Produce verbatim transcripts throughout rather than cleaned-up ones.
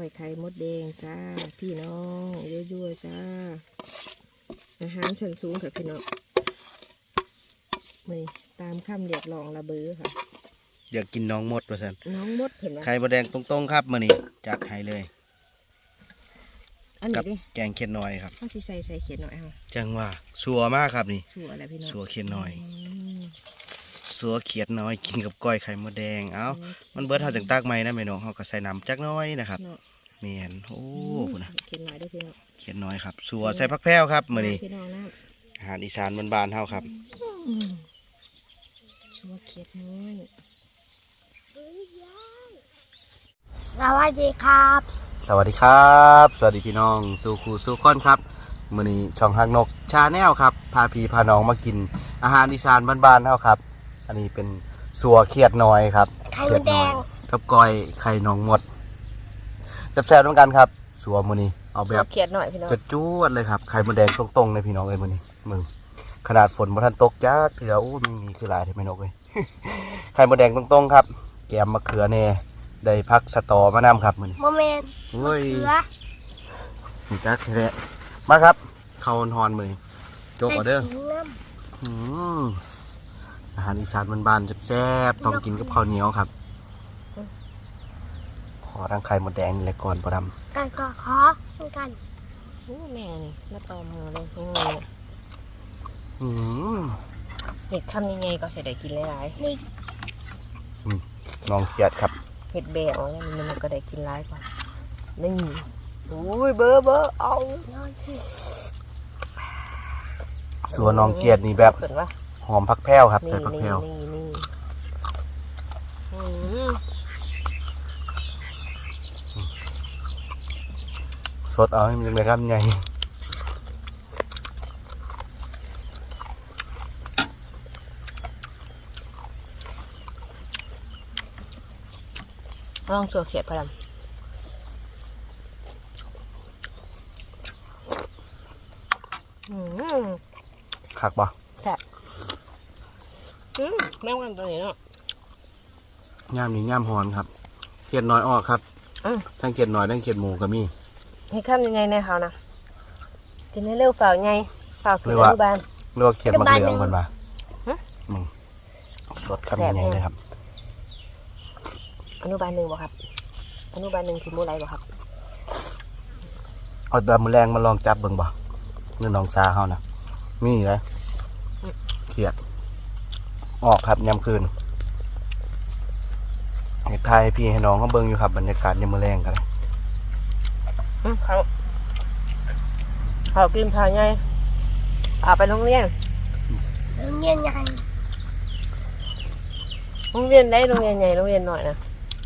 อยไข่มดแดงจ้าพี่น้องยั่วๆจ้าอาหารชั้นสูงค่ะพี่น้องนี่ตามคำเรียกร้องระเบ้อค่ะอยากกินน้องมดประสันน้องมดเห็นไหมไข่มดแดงตรงๆครับมื้อนี้จัดให้เลยอันนี้ดิแกงเขียดน้อยครับต้องใส่ใส่เขียดหน่อยค่ะจังว่าสัวมากครับนี่สัวอะไรพี่น้องสัวเขียดน้อยสัวเขียดน้อยกินกับก้อยไข่มดแดงเอ้ามันเบิดเท่าจังตากไม้นะแม่น้องเฮาก็ใส่น้ำจักน้อยนะครับเมียนโอ้พุ่นนะเขียดน้อยด้วยพี่น้องเขียดน้อยครับสัวใส่ผักแพรวครับมื้อนี้พี่น้องนะอาหารอีสานบ้านๆเฮาครับสัวเขียดน้อยสวัสดีครับสวัสดีครับสวัสดีพี่น้องสู่ครูสู่ค้อนครับมื้อนี้ช่องฮักนกชาแนลครับพาพี่พาน้องมากินอาหารอีสานบ้านๆเฮาครับอันนี้เป็นสัวเขียดน้อยครับไข่มดแดงกับก้อยไข่น้องมดแซ่บๆเหมือนกันครับสัวมื้อนี้เอาแบบเขียดหน่อยพี่น้องจะจู้ดเลยครับไข่มดแดงตรงๆเลยพี่น้องเอ้ยมื้อนี้มึงขนาดฝนบ่ทันตกจักเถื่ออู้มีมีคือหลายแท้แม่นกเอ้ย ไข่มดแดงตรงๆครับแกมมะเขือแน่ได้พักสตอมานำครับมื้อนี้โมเมนต์เฮ้ยเขือมีจักแท้มาครับข้าวฮอนมื้อนี้โจกเอาเด้ออืออาหารอีสานบ้านๆแซ่บๆต้องกินกับข้าวเหนียวครับขอทั้งไข่มดแดงนี่แหละก่อนบ่ดำกันก็ขอเหมือนกันโอ้แม่นี่มาตอมมือเลยยังไงอืมเห็ดคำยังไงก็เสร็จได้กินหลายๆนี่น้องเขียดครับเห็ดแบะอ๋อมันมันก็ได้กินหลายกว่านี่โอ้ยเบอร์เบอร์เอาส่วนน้องเขียดนี่แบบหอมผักแพรวครับใส่ผักแพรวสดเอาให้มันเลยครับใหญ่ลองสัวเขียดพลัมคักปะใช่อืมแม่งกันตัวนี้เนาะย่ามนี้ย่ามหอนครับเขียดน้อยออกครับทั้งเขียดน้อยทั้งเขียดหมูก็มีให้ข้ามยังไงในเขานะกินให้เร็วฝ่าไงฝ่าคืออนุบาลเรียกว่าเขียดมะเขือคนมาสดคำยังไงเลยครับอนุบาลหนึ่งบ่ครับอนุบาลหนึ่งคือมูไรบ่ครับเอาตัวมือแรงมาลองจับเบิ่งบ่เนื้อน้องซาเขานะมีเลยเขียดออกครับยามคืนอยากทายพี่ให้น้องเขาเบิ่งอยู่ครับบรรยากาศยามมือแรงกันเขาเขากินพาไงเอาไปโรงเรียนโรงเรียนใหญ่โรงเรียนได้โรงเรียนใหญ่โรงเรียนหน่อยนะ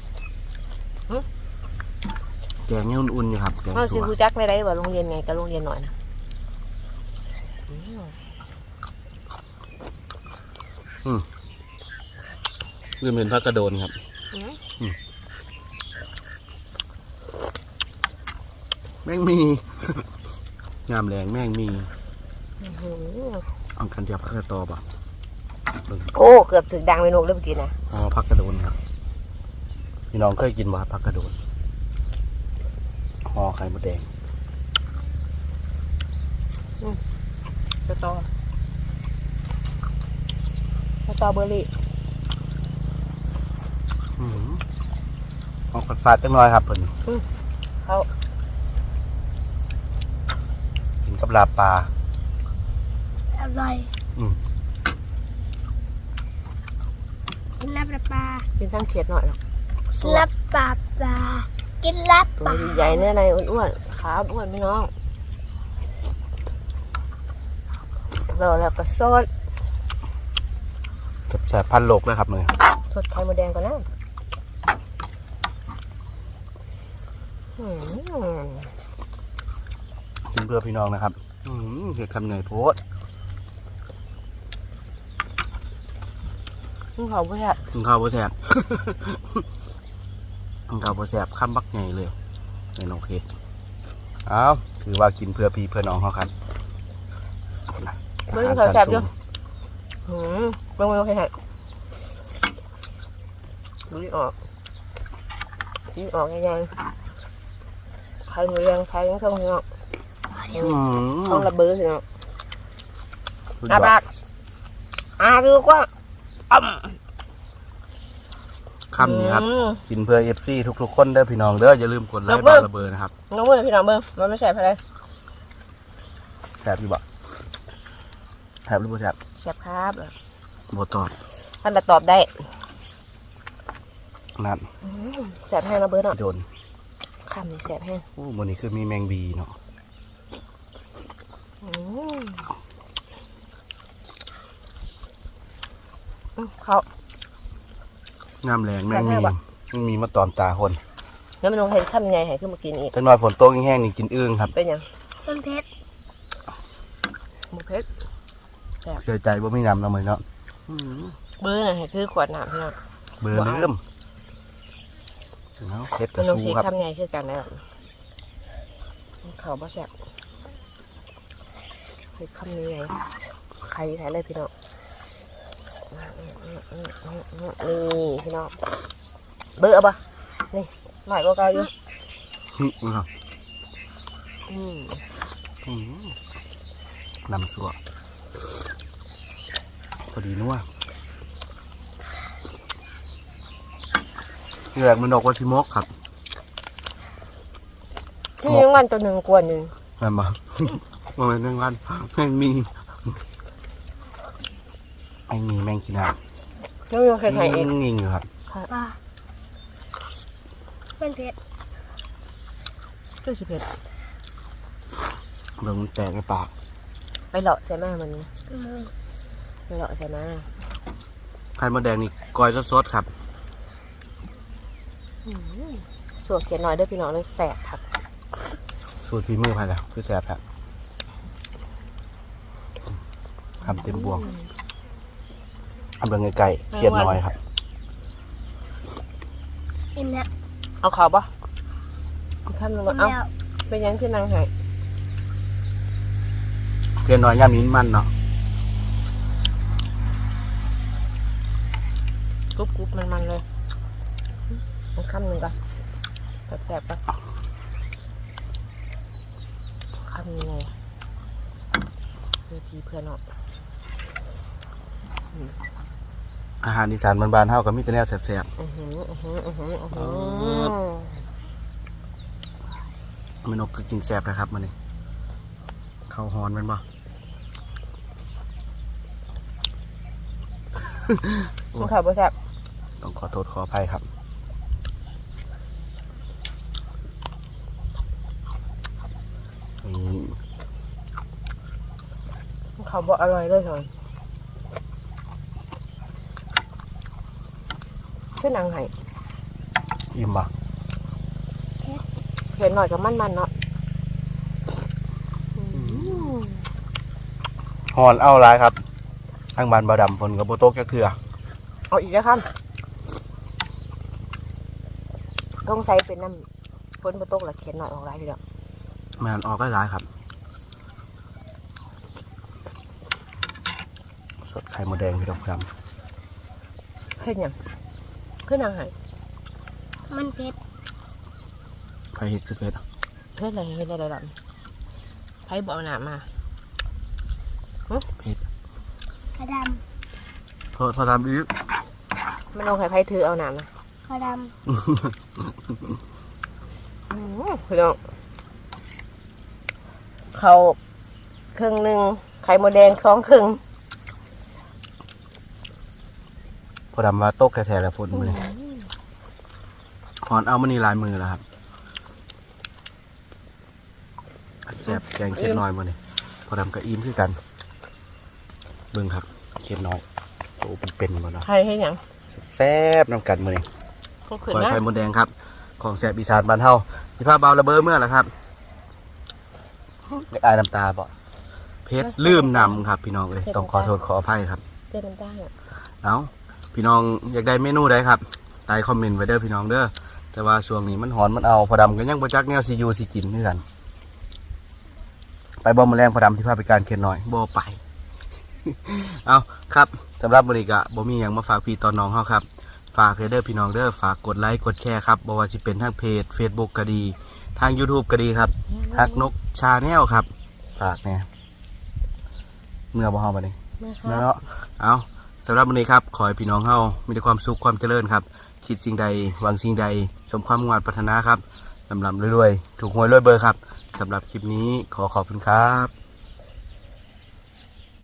แกงเนี่ยอุ่นๆอยู่ครับแกงสัวซื้อกูจักไม่ได้ว่าโรงเรียนไงกับโรงเรียนหน่อยนะอืมเรื่องเป็นพระกระโดนครับแม่งมีงามแรงแม่งมีเอากันเดียวพักกระตอบ่ะโอ้เกือบถึงดังไปนกเริ่มกินนะอ๋อพักกระโดนครับพี่น้องเคยกินบ่พักกระโดนห่อไข่มดแดงกระตอ สตรอเบอร์รี่ออกฟาดจังน้อยครับเพิ่นเขากินกับลาปลาอร่อยอืมกินลาบปลากินทั้งเขียดหน่อยหรอกลาบปลาปลากินลาบปลาตัวใหญ่เนื้อในอ้วนๆขาอ้วนพี่น้องเราแล้วก็ซดแสบพันโลกเลยครับเลยสดไข่มดแดงก่อนนะกินเพื่อพี่น้องนะครับเห็ดคำเหนื่อยโพดมึงเขาบ่แซ่บมึงเขาบ่แซ่บมึงเขาบ่แซ่บข้ามบักใหญ่เลยในน้องเห็ดอ้าวถือว่ากินเพื่อพี่เพื่อน้องเขาครับมึงเขาแซ่บอยู่หืมมึงมึงให้ดูดิออกดูดิออกยังไงข่หมูแดงไข่ยังท่องเนาะอืมท่องระเบิดเนาะสุดยอาอดปากอาดูกว่าอ่ำคำนี้ครับอืมกินเพื่อเอฟซีทุกๆคนเด้อพี่น้องเด้ออย่าลืมกดไลค์ระเบิบาดงระเบิดนะครับน้องเบิ้งพี่น้องเบิ้งมันไม่ใช่อะไรแซ่บอยู่บ่แซ่บหรือบ่แซ่บแซ่บครับบ่ตอบท่านจะตอบได้นั่นอืมแซ่บแห้งระเบิดเนาะโดนคำนี้แซ่บแห้งโอ้มื้อนี้คือมีแมงบีเนาะอืมอืมเขาน้ำแรงแมงแซ่มีบแซ่บอะแมงมีมาตอมตาคนแล้วมันลงเห็นคำใหญ่ให้ขึ้นมากินอีกจังน้อยฝนตกแห้งๆนี่กินอึ่งครับเป็นยังต้นเพชรหมูเพชรเชื่อใจบ่มีน้ำแล้วมื้อเนาะอืมเบิ้งน่ะให้คือขวดน้ำพี่น้องเบื่อลืมเนาะเฮ็ดกมัระนลงซูสีครับคำใหญ่คือกันแล้วเขาบ่แซ่บคือคำนี้ไงใครแท้เลยพี่น้องนี่พี่น้องเบื่อปะนี่หน่อยก็เกาอยู่อืมครับอืมอืมน้ำสัวพอดีนัวที่แรกมันดอกว่าชิมกครับพี่ยังวันตัวหนึ่งกวนหนึ่งแม่นบ่ มันเป็นเรื่องวันแมงมีแมงมีแมงกินหาแล้วยังเคยถ่ายเองงิงอยู่ครับปลาต้นเพชรคือสิบเอ็ดเบิ่งมันแตกในปากไปเลาะใช่ไหมมันอืมไปเลาะใช่ไหมไข่มดแดงนี่กอยสดๆครับส่วนเขียนน้อยเด้วยพี่น้องเลยแสบครับสูตรฝีมือไผ่ละคือแซ่บครับทำเต็มบวงทำเบิ่งไก่ๆเขียนน้อยครับอิ่มแล้วเอาเขาปะข้ามลงอิ่มาม เอาแล้วเป็นยังที่นางหายเขียนน้อยย่ำนิ้นมันเนาะกรุบกรุบมันมันๆเลยเอาคำหนึ่งก่อนแสบๆปะคำยังไงเพื่อพี่เพื่อนออกอาหารอีสานบานๆเฮาก็มีแต่แนวแซ่บอือหืออือหืออือหืออือหือๆแม่นกก็กินแซ่บนะครับมื้อนี้ข้าวฮ้อนแม่นบ่มันเขาบ่แซ่บต้องขอโทษขออภัยครับนี่มันเขาบ่อร่อยเลยสอนเส้นนางหายอิ่มบ่เห็นหน่อยกับมันมันๆเนาะฮ้อนเอาหลายครับทางบ้านบ่าวดำฝนก็บ่ตกจักเทื่อเอาอีกแล้วครับต้องใส่เป็นน้ำพ้นบะตกหรือเขียนหน่อยออกไรพี่เด้อแม่นออกหลายๆครับ สดไข่มดแดงพี่น้องครับขึ้นยังขึ้นนางหายมันเพชรไข่เห็ดคือเผ็ดเพิ่นอะไรเฮ็ดอะไรหรอไผบ่เอาหนามาเผ็ดกระดพอพอทำอีกมันลงไข่ไผถือเอาหนามาำกระดอือพี่น้องเขาครึ่งหนึ่งไข่มดแดงสองครึ่งพอดำว่าตกแท้ๆแล้วฝนมือนี้ถอนเอามันนี่ลายมือแล้วครับแซ่บแกงเค็ดน้อยมือนี่พอดำกับอิ่มคือกัน เบิ่งครับเค็ดน้อยโอ้เป็นเป็นหมดแล้วไข่ให้หยังแซ่บน้ำกันมือนี่ก็ขึ้นปล่อยนะไข่มดแดงครับ ของแซ่บอีสานบ้านเฮาที่ภาพเบาระเบ้อเมื่อไหร่ครับไอ้น้ำตาบ่เพชรลืมนำครับพี่น้องเอ้ยต้องขอโทษขออภัยครับเจ้าน้ำตาลอะเอาพี่น้องอยากได้เมนูใดครับใต้คอมเมนต์ไว้เด้อพี่น้องเด้อแต่ว่าช่วงนี้มันหอนมันเอาพอดำก็ยังบ่จักแนวซียูซีกินนี่กันไปบ่มาแรงพอดำที่พาไปการเขียนหน่อยบ่ไป เอาครับสำหรับมื้อนี้ก็บ่มีหยังมาฝากพี่ตอนน้องเฮาครับฝากเด้อพี่น้องเด้อฝากกดไลค์กดแชร์ครับบ่ว่าสิเป็นทางเพจ Facebook ก็ดีทาง YouTube ก็ดีครับฮักนกชาแนลครับฝากเนี่ยเมื่อบ่เฮาบัดนี้แม่ครับเนาะเอาสำหรับวันนี้ครับขอให้พี่น้องเฮามีแต่ความสุขความเจริญครับคิดสิ่งใดหวังสิ่งใดสมความมุ่งมั่นปรารถนาครับลำลำรวยๆถูกหวยรวยเบอร์ครับสำหรับคลิปนี้ขอขอบคุณครับ